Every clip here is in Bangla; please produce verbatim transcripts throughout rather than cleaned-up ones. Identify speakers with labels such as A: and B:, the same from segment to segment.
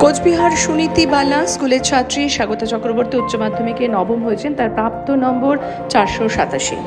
A: কোচবিহার সুনীতি বালা স্কুলের ছাত্রী স্বাগতা চক্রবর্তী উচ্চ মাধ্যমিকে নবম হয়েছেন, তার প্রাপ্ত নম্বর চারশো সাতাশি।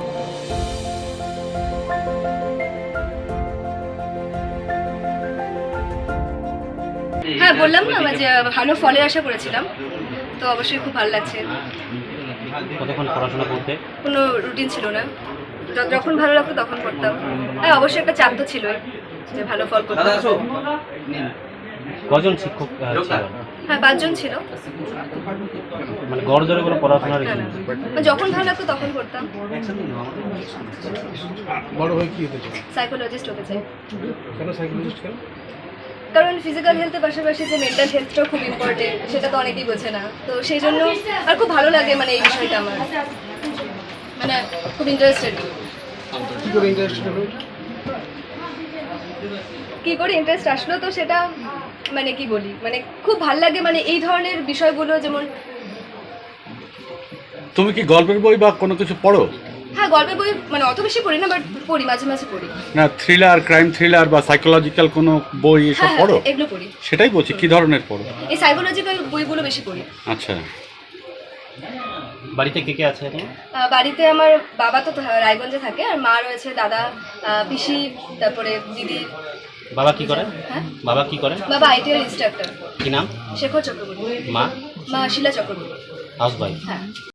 B: হ্যাঁ, বললাম না যে ভালো ফলের আশা করেছিলাম, তো অবশ্যই খুব ভালো লাগছে।
C: কতক্ষণ পড়াশোনা করতে?
B: কোনো রুটিন ছিল না, য- যখন ভালো লাগতো তখন করতাম। হ্যাঁ, অবশ্যই একটা চাপ তো ছিল যে ভালো ফল করতে হবে।
C: কজন শিক্ষক আহ, ছিল?
B: হ্যাঁ, পাঁচজন ছিল।
C: মানে গড় ধরে কোনো পড়াশোনার
B: না, না, মানে যখন ভালো লাগতো তখন করতাম।
D: বড় হয়ে কি হতে চাই?
B: সাইকোলজিস্ট হতে চাই,
D: কেন সাইকোলজিস্ট কেন?
B: কারণ ফিজিক্যাল হেলথের পাশাপাশি যে মেন্টাল হেলথটাও খুব ইম্পর্টেন্ট, সেটা তো অনেকেই বোঝে না। তো সেই জন্য আর খুব ভালো লাগে মানে এই বিষয়টা আমার, মানে খুব ইন্টারেস্টেড।
D: কি করে ইন্টারেস্টেড হবে?
B: কি করে ইন্টারেস্ট আসলো, তো সেটা মানে কি বলি, মানে খুব ভাল লাগে মানে এই ধরনের বিষয়গুলো। যেমন
E: তুমি কি গল্পের বই বা কোনো কিছু পড়ো?
B: হ্যাঁ, গল্পের বই মানে অত বেশি পড়ি না, বাট পড়ি, মাঝে মাঝে পড়ি।
E: না, থ্রিলার, ক্রাইম থ্রিলার বা সাইকোলজিক্যাল কোনো বই এসব
B: হ্যাঁ,
E: পড়ো?
B: এগুলো পড়ি।
E: সেটাই বলছি, কি ধরনের পড়ো?
B: এই সাইকোলজিক্যাল বইগুলো বেশি পড়ি।
E: আচ্ছা,
C: বাড়িতে কে কে আছে এখন?
B: আহ, বাড়িতে আমার বাবা তো রায়গঞ্জে থাকে, আর মা রয়েছে, দাদা, আহ, পিসি, তারপরে দিদি।
C: বাবা কি করে?
B: হ্যাঁ,
C: বাবা কি করে?
B: বাবা আইটিআই ইনস্ট্রাক্টর।
C: কি নাম?
B: শেখর চক্রবর্তী।
C: মা?
B: মা শিলা চক্রবর্তী।
C: House wife.
B: হ্যাঁ।